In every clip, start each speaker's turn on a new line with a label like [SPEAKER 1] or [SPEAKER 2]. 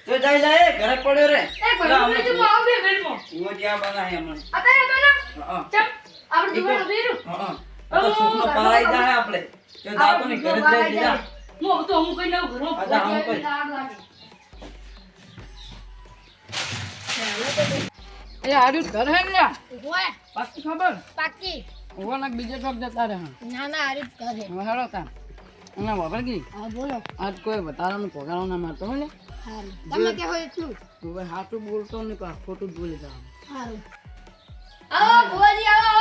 [SPEAKER 1] તો જઈ જાય ઘરે પડ્યો રે
[SPEAKER 2] એ ભણું તો આવ બે મિનિટમાં
[SPEAKER 1] ઓ જ્યાં બનાય હમણાં
[SPEAKER 2] અત્યારે બના
[SPEAKER 1] હા
[SPEAKER 2] ચપ આપણે દુકાન ઉભીરું
[SPEAKER 1] હા તો સુખનો પરાઈ જાય આપણે તો દાતો ને ઘરે જ લઈ દીધા
[SPEAKER 2] હું તો હું કઈ લઉં ઘરો
[SPEAKER 1] અચ્છા, હું કઈ.
[SPEAKER 3] એ આર્યું ઘર હે ને
[SPEAKER 4] ઓય
[SPEAKER 3] પાકી ખબર
[SPEAKER 4] પાકી
[SPEAKER 3] ઓવાના બીજે ચોક જતા રહે
[SPEAKER 4] ના ના આરી કરે
[SPEAKER 3] હવે હેડો તા અને વાપર ગઈ
[SPEAKER 4] હા બોલો
[SPEAKER 3] આજ કોઈ વધારાનું પગારો ના મારતો હોય ને
[SPEAKER 4] હારું તમે કે હોય એટલું
[SPEAKER 3] તું ભાઈ સાચું બોલતો ને પા ખોટું જ બોલી જવાનું
[SPEAKER 4] હારું
[SPEAKER 2] આવો ભુવાજી આવો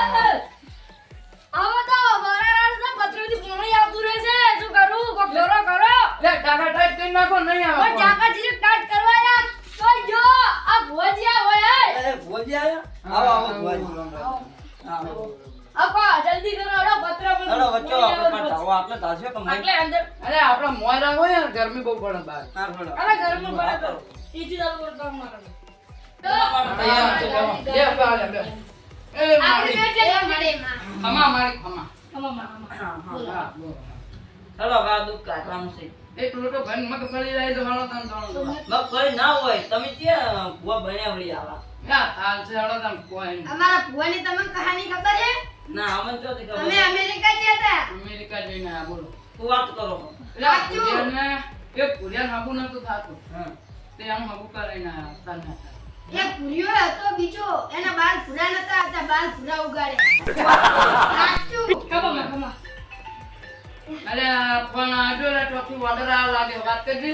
[SPEAKER 2] આવો તો વરાળ તો પત્રથી પાણી આવતું રહે છે શું કરું કોક કરો કરો
[SPEAKER 3] લે ટાકા ટાઈટ કરી નાખો નહીં આવે
[SPEAKER 2] પણ ચાકા જીરે કાટ કરવા યાર તો જો આ ભુવાજી આવો હે
[SPEAKER 1] એ ભોજી આયા આવો આવો ભોજી આવો
[SPEAKER 2] આપો જલ્દી કરો અડો પત્ર પર
[SPEAKER 1] ચલો વચ્ચો આપણે પાછા આપણે તાસ્યો કે
[SPEAKER 2] એટલે અંદર
[SPEAKER 3] અરે આપડા મોયરા હોય ને ગરમી બહુ પડે બહાર
[SPEAKER 1] ના પડો
[SPEAKER 2] અરે ઘરમાં બરાબર કરો ઈજી દાલ પર કામ ના કરો
[SPEAKER 3] બે બાલે બે એ
[SPEAKER 2] આપણી
[SPEAKER 3] મારી
[SPEAKER 2] બેટે
[SPEAKER 4] મળે માં
[SPEAKER 3] ખમા મારી ખમા
[SPEAKER 2] અમામા
[SPEAKER 3] હા બોલો
[SPEAKER 1] ચલો બા દુખ કાઢવાનું છે
[SPEAKER 3] એક લોટો ઘન મગફળી લાવી દો હાલો તન તણો
[SPEAKER 1] મગફળી ના હોય તમે ક્યાં ભૂવા બન્યા વળી આવા
[SPEAKER 3] યા હાલ છે હાલો તન કોઈ નહીં.
[SPEAKER 4] અમારા ભુવાની તમને કહાની ખબર છે
[SPEAKER 1] ના અમને તો
[SPEAKER 4] તમે
[SPEAKER 1] ખબર
[SPEAKER 4] અમેરિકા ગયા હતા
[SPEAKER 3] અમેરિકા જઈને આ બોલો
[SPEAKER 1] તું વાત કરો
[SPEAKER 3] એટલે આ કુરિયરને એક કુરિયર હાબુ નતું થાતું
[SPEAKER 1] હા
[SPEAKER 3] તે આમ હાબુ કરીને આયા તને
[SPEAKER 4] એક પુરિયો હતો બીજો એના બાલ ભૂરા નતા હતા બાલ ભૂરા ઉગાડ્યા સાચું
[SPEAKER 2] કમા
[SPEAKER 3] અરે પણ આજો રે ચોથી ઓર્ડર આ લાગે વાત કરજે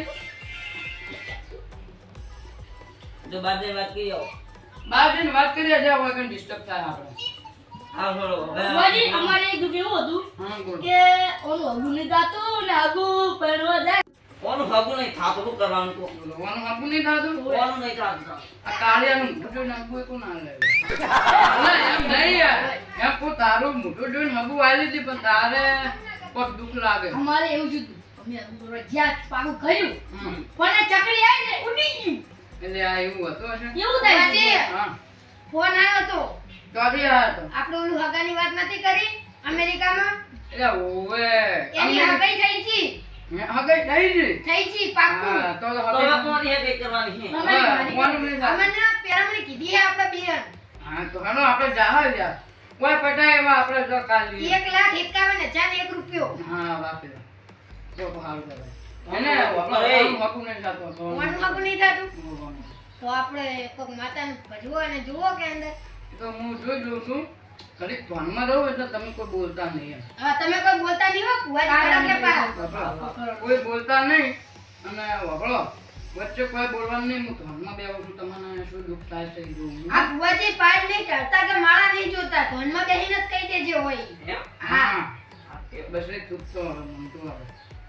[SPEAKER 1] જો બાદે વાત કરી આવો
[SPEAKER 3] બહાર જઈને વાત કરીએ જે વગર ડિસ્ટર્બ થાય આપણે
[SPEAKER 1] હા બોલો
[SPEAKER 2] ભુવાજી અમારે એક દુખ એવું હતું
[SPEAKER 3] હા બોલો
[SPEAKER 2] કે ઓનું હગું નહીં જાતું ને હગું પહેરવા જાય
[SPEAKER 1] કોનું ભાગું નહીં થાતું શું કરવાનું તો
[SPEAKER 3] બોલવાનું હાબુ નહીં થાતું
[SPEAKER 1] કોનું નહીં થાતું
[SPEAKER 3] આ કાળિયાનું મોઢું નાખવું એ કોણ ના લે ના એમ નહીં યાર એમ કોઈ તારું મોઢું જોઈને હાબુ આલી હતી પણ તારે પગ દુખ લાગે
[SPEAKER 2] અમારે એવું જ હતું અમે હગું જ્યાં પાકું કર્યું
[SPEAKER 3] હમ.
[SPEAKER 2] પણ આ ચકડી આવી ને ઉડી ગયું
[SPEAKER 3] એટલે આ એવું હતું હશે
[SPEAKER 2] એવું થાય
[SPEAKER 4] ભુવાજી,
[SPEAKER 3] હા
[SPEAKER 4] ફોન આવ્યો તો
[SPEAKER 3] ચોથી આ હતો
[SPEAKER 4] આપણે ઓલું હગાની વાત નથી કરી અમેરિકામાં
[SPEAKER 3] એટલે ઓવે
[SPEAKER 4] એની હગાઈ થઈ છી
[SPEAKER 3] હગાઈ થઈ ગઈ
[SPEAKER 4] થઈ છી પાક્કું
[SPEAKER 3] હા તો
[SPEAKER 1] તો
[SPEAKER 3] હગાઈ
[SPEAKER 1] હવે કોની હે કઈ કરવાની છે
[SPEAKER 3] કોનું નહીં થાય?
[SPEAKER 4] અમને પેરામણી કીધી હે આપણા બેન
[SPEAKER 3] હા તો હાલો આપણે જાહા યાર કોઈ પટાય એવા આપણે જો કાલી
[SPEAKER 4] 1,51,001 રૂપિયો
[SPEAKER 3] હા વાપરે તો હાલ કરે એને
[SPEAKER 1] અરે.
[SPEAKER 3] વાપુ નહીં થતો તો
[SPEAKER 4] ફોનનું હગું નહીં થતું તો આપણે કોક માતાને ભજવો અને જુઓ કે અંદર
[SPEAKER 3] તો હું જોઈ લઉં છું ઘડીક ધ્યાનમાં રહું એટલે તમે કોઈ બોલતા નહીં એમ.
[SPEAKER 4] હા તમે કોઈ બોલતા નહીં હો ભુવાજી કે પા
[SPEAKER 3] વાપરો. કોઈ બોલતા નહીં અને વાપરો વચ્ચે કોઈ બોલવાનું નહીં હું ધ્યાનમાં બેહું છું તમને શું દુઃખ થાય છે એ જોઉં.
[SPEAKER 4] આ ભુવાજી પાડ નહીં કરતા કે માળા નહીં જોતા ધોનમાં બેહીને જ કહી દેજે હોય
[SPEAKER 3] હા બસ એ ચૂપ તો હવે મનતું આવે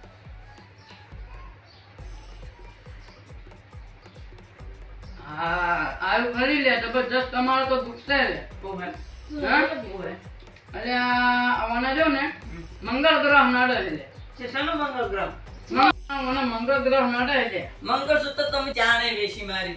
[SPEAKER 3] હા આવું કરી લે જબરજસ્ત તમારો તો દુખશે લે
[SPEAKER 1] તો હે
[SPEAKER 3] હા?
[SPEAKER 1] તો હે
[SPEAKER 3] અરે આ આવવાના જો ને મંગળ ગ્રહ નડે લે
[SPEAKER 1] છે શાનો મંગળ ગ્રહ
[SPEAKER 3] મને મંગળ ગ્રહ નડે લે
[SPEAKER 1] મંગળસૂત્ર તમે ચાણે વેશી મારી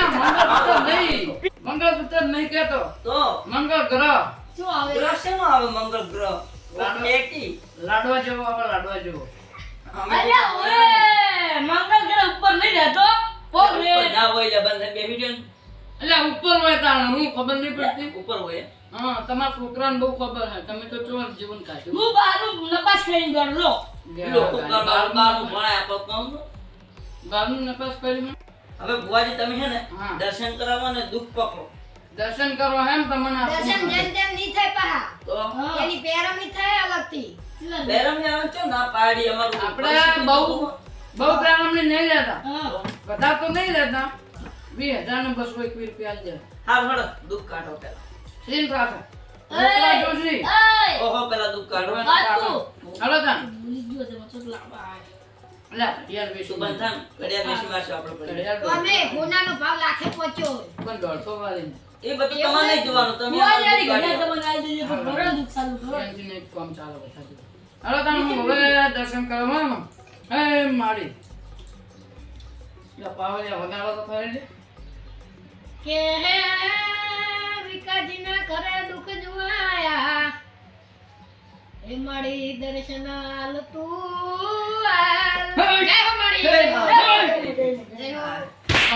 [SPEAKER 3] મંગળસૂત્ર નહીં કેતો
[SPEAKER 1] તો
[SPEAKER 3] મંગળ ગ્રહ
[SPEAKER 2] શું આવે
[SPEAKER 1] ગ્રહ શેનો આવે મંગળ ગ્રહ પેટી
[SPEAKER 3] લાડવા જેવો આવે લાડવા જેવો
[SPEAKER 2] અલ્યા ઓએ મંગળ ગ્રહ ઉપર નહીં રહેતો પોગ રે
[SPEAKER 1] ઉપર ના હોય એટલે બંધ બેહી ગયો
[SPEAKER 3] એટલે ઉપર હોય તાણ હું ખબર નહીં પડતી
[SPEAKER 1] ઉપર હોય
[SPEAKER 3] હા તમારા છોકરાને બહુ ખબર છે તમે તો ચોર જીવન કાઢ્યું
[SPEAKER 2] હું બારું નપાસ કરીને ગયો
[SPEAKER 1] લોકો બાર બારનું ભણાય આપણો કામ
[SPEAKER 3] બારનું નપાસ કરી
[SPEAKER 1] હવે ભુવાજી તમે છે ને
[SPEAKER 3] હા.
[SPEAKER 1] દર્શન કરાવો ને દુઃખ પકડો
[SPEAKER 3] દર્શન કરો એમ તમને
[SPEAKER 4] દર્શન જેમ તેમ નહીં થાય પા
[SPEAKER 1] તો
[SPEAKER 4] એની પેરામણી થાય અલગથી
[SPEAKER 1] બેરમ ને આવે છે ના પાડી અમારું
[SPEAKER 3] આપણે બહુ પ્રારંભ નહીં લેતા
[SPEAKER 2] હા
[SPEAKER 3] બધા તો નહીં લેતા 20,000 ને 221 રૂપિયા આલી દે
[SPEAKER 1] હાલ હળ દુઃખ કાઢો પેલા
[SPEAKER 3] સીન પાસે મોકલા જોશી
[SPEAKER 2] એય
[SPEAKER 1] ઓહો પેલા દુઃખ કાઢો
[SPEAKER 2] હાલો
[SPEAKER 3] હાલો તાન
[SPEAKER 2] ભૂલી ગયો તે મતલબ લાંબા
[SPEAKER 3] લે યાર
[SPEAKER 1] તું
[SPEAKER 3] બેસું
[SPEAKER 1] બંધાન ઘડિયાળ બેસી વારસો આપણે પડે
[SPEAKER 4] તો અમે હોનાનો ભાવ લાખે પહોંચ્યો હોય.
[SPEAKER 3] પણ 150 વાળી
[SPEAKER 1] એ બધું તમારે નહીં જોવાનું તમે
[SPEAKER 2] ભુવાજી
[SPEAKER 1] અમારું
[SPEAKER 2] ઘરે
[SPEAKER 1] દુઃખ
[SPEAKER 2] તમને આવી દેજે પણ ઘરે દુખ સારું કરો
[SPEAKER 3] એનથી નહીં કામ ચાલે બતાજો હાલો તાન હું હવે દર્શન કરવા હે મારી લે પાવલિયા વગાડો તો ખરી લે
[SPEAKER 4] કે હે વિકાજીના ઘરે દુઃખ જોવાયા એ મારી દર્શનાલ તું આલ. જય હો મારી. જય હો.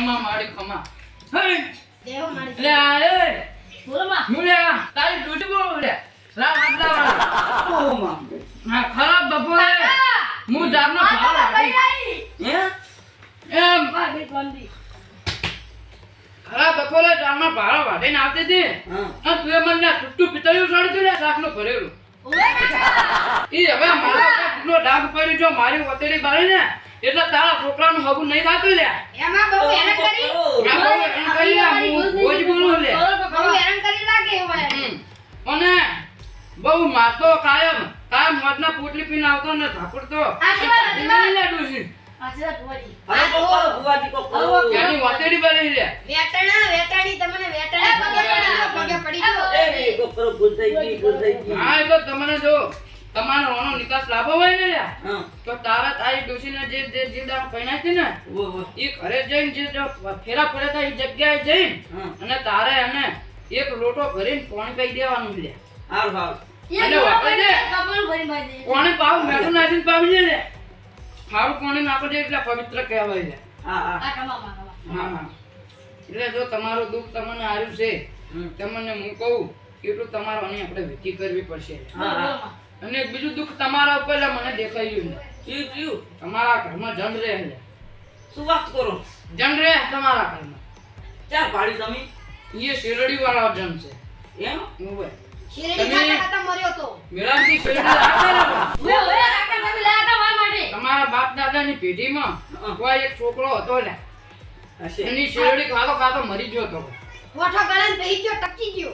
[SPEAKER 3] ખમા મારી ખમા હે
[SPEAKER 4] દેવો મારી
[SPEAKER 3] એટલે આ એ
[SPEAKER 2] બોલો માં.
[SPEAKER 3] હું લે આ તારી ડૂટી બોલ લે લા આટલા વાળા
[SPEAKER 1] ઓ માં
[SPEAKER 3] હા ખરાબ બપોરે હું જાબનો ભાવ
[SPEAKER 2] ભાઈ
[SPEAKER 3] લાગી
[SPEAKER 2] આવી.
[SPEAKER 3] એમ
[SPEAKER 2] વાહ, બેટ બાંધી.
[SPEAKER 3] ખરાબ બપોરે જાબનો ભાવ વાટીને આવતી હતી
[SPEAKER 1] હા
[SPEAKER 3] તું એ મને છૂટું પિતળિયું સળતું લે શાકનું ભરેલું
[SPEAKER 2] ઓવે કાકા.
[SPEAKER 3] ઈ હવે મારા ઉપર કેટલો ડાઘ પડ્યો જો મારી વતેડી બાળી ને એટલે તારા છોકરાનું હગું નહીં થાતું લે
[SPEAKER 4] એમાં બહુ હેરાન કરી
[SPEAKER 3] આ બહુ એમ કરી લે, હું રોજ બોલું લે
[SPEAKER 4] બહુ હેરાન કરી લાગે એમાં
[SPEAKER 3] અને બહુ મારતો કાયમ મોજના પોટલી પીને આવતો ને ધાપડતો
[SPEAKER 2] આશીર્વાદ, આશીર્વાદ.
[SPEAKER 3] લે ડોશી
[SPEAKER 2] આશીર્વાદ ભુવાજી.
[SPEAKER 1] હવે તો કરો ભુવાજી કો કરો
[SPEAKER 3] એની વતેડી બાળી લે
[SPEAKER 4] વેટાણી તમને વેટાણી પગે પડી ગયો
[SPEAKER 1] એ કો કરો ભૂલ થઈ ગઈ
[SPEAKER 3] હા એ તો તમને જો તમારો ઓનો નિકાસ લાભો હોય ને લ્યા
[SPEAKER 1] હા
[SPEAKER 3] તો તારા તારી ડોશીને જે દાળ પૈણાય છે ને
[SPEAKER 1] વો વો
[SPEAKER 3] એ ઘરે જઈને જે ફેરા પડે તા એ જગ્યાએ જઈને
[SPEAKER 1] હા
[SPEAKER 3] અને તારે એને એક લોટો ભરીને પાણી પી દેવાનું લે
[SPEAKER 1] હાલ હાલ
[SPEAKER 2] એ
[SPEAKER 3] અને
[SPEAKER 2] જોડો
[SPEAKER 3] વાપરે
[SPEAKER 2] કરીને
[SPEAKER 3] છે.
[SPEAKER 2] કપડું ભરી બાંધી દે.
[SPEAKER 3] પાણી પાવ મેઠું નાખીને પાવી દે લે ખારું પાણી નાખો દે એટલે પવિત્ર કહેવાય છે
[SPEAKER 1] હા હા
[SPEAKER 2] આ કમામાં, કમા.
[SPEAKER 3] હા હા એટલે જો તમારું દુઃખ તમને આવ્યું છે
[SPEAKER 1] હમ.
[SPEAKER 3] તમને હું કહું એટલું તમારે આની આપણે વિધિ કરવી પડશે
[SPEAKER 1] હા
[SPEAKER 2] બોલો
[SPEAKER 1] હા
[SPEAKER 2] માં.
[SPEAKER 3] અને એક બીજું દુઃખ તમારા ઉપર એટલે મને દેખાયું નહીં
[SPEAKER 1] જીવ
[SPEAKER 3] તમારા ઘરમાં જન રહે છે
[SPEAKER 1] શું વાત કરો
[SPEAKER 3] જન રહે તમારા ઘરમાં
[SPEAKER 1] ચાર પાડી તમે
[SPEAKER 3] એ શેરડી વાળા જન છે
[SPEAKER 1] એમ
[SPEAKER 3] ઓવે.
[SPEAKER 4] શેરડી
[SPEAKER 3] તમે-
[SPEAKER 4] ખાતા ખાતા મર્યો તો
[SPEAKER 3] મેળાથી શેરડી રાખતા રહો.
[SPEAKER 2] ઓવે, ઓવે, કાકા તમે લાયા તા મારા માટે.
[SPEAKER 3] તમારા બાપ દાદાની પેઢીમાં કોઈ એક છોકરો હતો લે
[SPEAKER 1] હશે
[SPEAKER 3] એની શેરડી ખાતો ખાતો મરી ગયો હતો
[SPEAKER 4] કોઠો ગળાને બેહી ગયો ટપકી ગયો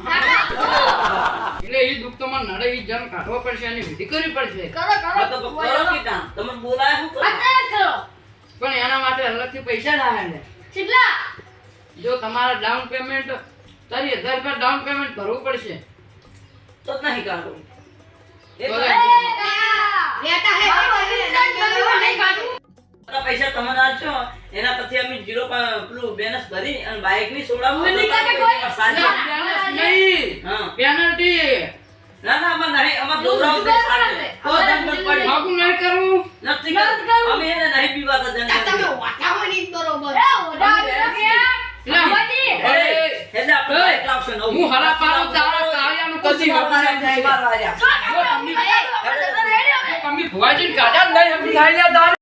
[SPEAKER 3] એટલે એ દુઃખ તમારે નડે એ જન કાઢવો પડશે એની વિધિ કરવી પડશે
[SPEAKER 2] કરો, કરો.
[SPEAKER 1] હા તો કરો કીધા તમને બોલાય શું કરો
[SPEAKER 2] અત્યારે જ કરો.
[SPEAKER 3] પણ એના માટે અલગથી પૈસા લાવે લે
[SPEAKER 2] કેટલા?
[SPEAKER 3] જો તમારે ડાઉન પેમેન્ટ 30,000 રૂપિયા ડાઉન પેમેન્ટ ભરવું પડશે
[SPEAKER 1] તો જ નહીં કાઢો એક
[SPEAKER 3] બોલે.
[SPEAKER 4] વેટા હે
[SPEAKER 2] નહીં કાઢું.
[SPEAKER 1] બધા પૈસા તમને આપશો એના પછી અમે જીરો પેલું બેનસ ભરી અને બાઇક ની સોડાવું
[SPEAKER 2] મને કાકા કોઈ-
[SPEAKER 3] નહીં
[SPEAKER 1] હા
[SPEAKER 3] પેનલ્ટી
[SPEAKER 1] ના ના અમાર નહીં અમાર દોરાવ દે સાચે તો દંડ પડી
[SPEAKER 3] ભાગું નહીં કરવું
[SPEAKER 1] નથી
[SPEAKER 2] નથી કરવું.
[SPEAKER 1] અમે એને નહીં પીવાતા દંડ
[SPEAKER 4] તમે
[SPEAKER 1] કરી.
[SPEAKER 4] વાટાવાની જ બરોબર
[SPEAKER 2] એ, ઓઢા ઓઢા કે?
[SPEAKER 3] લે.
[SPEAKER 2] ભુવાજી.
[SPEAKER 1] એટલે આપણે બાઇક લાવશે નવું.
[SPEAKER 3] હું હરા પાડું તારા કાળિયાનું કદી હમું નહીં થાય.
[SPEAKER 1] બાર વાગ્યા.
[SPEAKER 2] કાકા, તમે
[SPEAKER 3] તમે ભુવાજીને કાઢ્યા જ નહીં હમું થાય લે તારે.